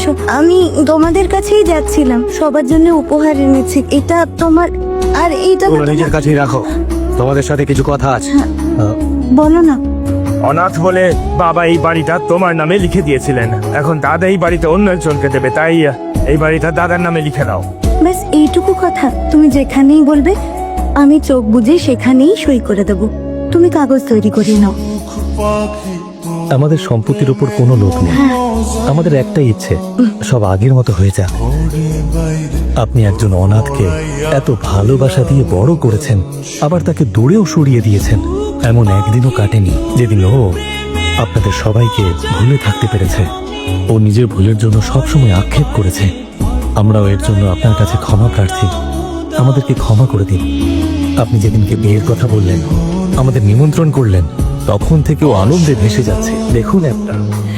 এসেছো? আমি তোমাদের কাছেই যাচ্ছিলাম, সবার জন্য উপহার এনেছি। এটা তোমার, আর এইটা নিজের কাছেই রাখো, তোমাদের সাথে কিছু কথা আছে। বলো না। অনাথ বলে বাবা এই বাড়িটা তোমার নামে লিখে দিয়েছিলেন, এখন দাদা এই বাড়িতে অন্য একজনকে দেবে, তাই এই বাড়িটা দাদার নামে লিখে দাও। ব্যাস এইটুকু কথা। তুমি যেখানেই বলবে আমি চোখ বুজে সেখানেই সই করে দেব। তুমি কাগজ তৈরি করে নাও। আমাদের সম্পত্তির উপর কোনো লোভ নেই, আমাদের একটাই ইচ্ছে, সব আগের মতো হয়ে যাক। আপনি একজন অনাথকে এত ভালোবাসা দিয়ে বড় করেছেন, আবার তাকে দূরেও সরিয়ে দিয়েছেন। এমন একদিনও কাটেনি যেদিন ও আপনাদের সবাইকে ভুলে থাকতে পেরেছে। ও নিজের ভুলের জন্য সবসময় আক্ষেপ করেছে। আমরাও এর জন্য আপনার কাছে ক্ষমা প্রার্থী। আমাদেরকে ক্ষমা করে দিন। আপনি যেদিনকে বিয়ের কথা বললেন, আমাদের নিমন্ত্রণ করলেন, তখন থেকে ও আনন্দে ভেসে যাচ্ছে। দেখুন একটা।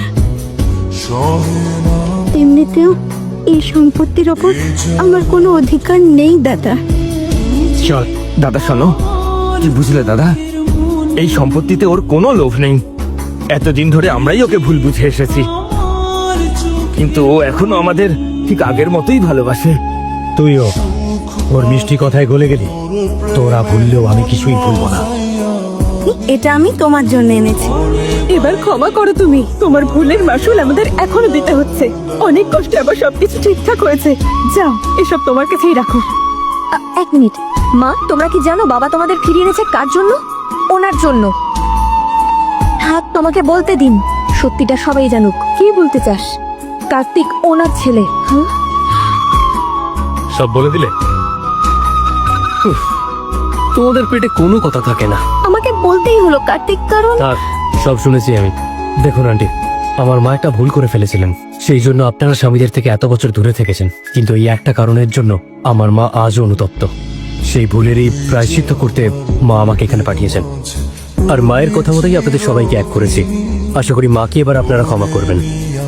এমনিতেও এই সম্পত্তির ওপর আমার কোনো অধিকার নেই দাদা। চল দাদা, শোনো, কি বুঝলে দাদা, এই সম্পত্তিতে ওর কোনো লোভ নেই। এতদিন ধরে আমরাই ওকে ভুল বুঝে এসেছি, কিন্তু ও এখনো আমাদের ঠিক আগের মতোই ভালোবাসে। তুইও ওর মিষ্টি কথায় গলে গেলি। তোরা ভুললেও আমি কিছুই ভুলবো না। এটা আমি তোমার জন্য এনেছি। এবার ক্ষমা করো তুমি, তোমার ভুলের মাসুল আমাদের এখনো দিতে হচ্ছে। অনেক কষ্টে আবার সবকিছু ঠিকঠাক হয়েছে। যাও, এসব তোমার কাছেই রাখো। এক মিনিট মা, তোমরা কি জানো বাবা তোমাদের ফিরিয়ে এনেছে কার জন্য? ওনার জন্য। থাক, তোমাকে বলতে দিন, সত্যিটা সবাই জানুক। কি বলতে চাস? কার্তিক ওনার ছেলে। সব বলে দিলে? তোমাদের পেটে কোনো কথা থাকে না। আমাকে বলতেই হলো কার্তিক, কারণ থাক, সব শুনেছি আমি। দেখুন আন্টি, আমার মা একটা ভুল করে ফেলেছিলেন, সেই জন্য আপনারা স্বামীদের থেকে এত বছর দূরে থেকেছেন। কিন্তু এই একটা কারণের জন্য আমার মা আজও অনুতপ্ত। সেই ভুলেরই প্রায়শ্চিত্ত করতে মা আমাকে এখানে পাঠিয়েছেন। আর মায়ের কথা মতোই আপনাদের সবাইকে এক করেছি। আশা করি মাকে এবার আপনারা ক্ষমা করবেন।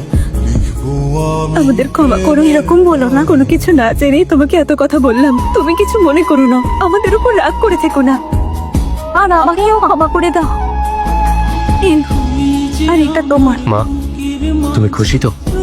আমাদের ক্ষমা করো। এরকম বলো না, কোনো কিছু না জেনেই তোমাকে এত কথা বললাম। তুমি কিছু মনে করো না, আমাদের উপর রাগ করে থেকো না। আর আমাকেও ক্ষমা করে দাও। আর এটা তোমার। মা, তুমি খুশি তো?